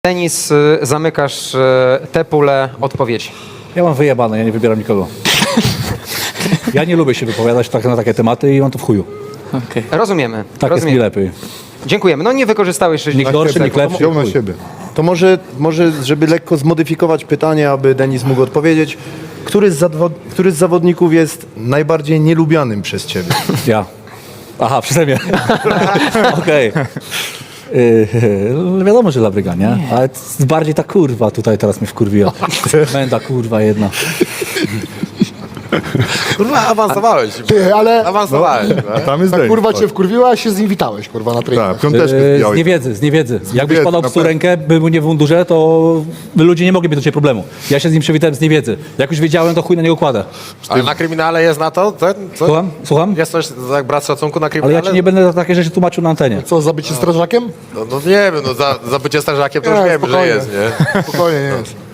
Denis, zamykasz tę pulę odpowiedzi. Ja mam wyjebane, ja nie wybieram nikogo. Ja nie lubię się wypowiadać tak na takie tematy i mam to w chuju. Okay. Rozumiemy. Tak rozumiemy. jest mi lepiej. Dziękujemy. No nie wykorzystałeś 60 Nikt gorszy, sekund. nikt lepszy. Wziął na siebie. To może, żeby lekko zmodyfikować pytanie, aby Denis mógł odpowiedzieć. Który z zawodników jest najbardziej nielubianym przez ciebie? Ja. Aha, przeze mnie. Okej. Wiadomo, że Labryga, nie? Ale bardziej ta kurwa tutaj teraz mnie wkurwiła. Menda kurwa jedna. Kurwa, awansowałeś. Ty, ale Awansowałeś. A tam jest ta Denis. kurwa cię wkurwiła, a się z nim witałeś, kurwa, na treningu. Tak, piąteczkę Z zbijałeś. niewiedzy. Jakbyś wiedzy, podał na psu pewno. rękę, był nie w mundurze, to ludzie nie mogliby do ciebie problemu. Ja się z nim przywitałem z niewiedzy. Jak już wiedziałem, to chuj na niego kładę. Ale na kryminale jest na to? Co? Słucham? Jest coś jak brak szacunku na Ale kryminale? ja ci nie będę za takie rzeczy tłumaczył na antenie. Co, zabycie strażakiem? No nie wiem, no za bycie strażakiem to już Nie, wiem, że spokojnie. jest, nie? Spokojnie, nie jest.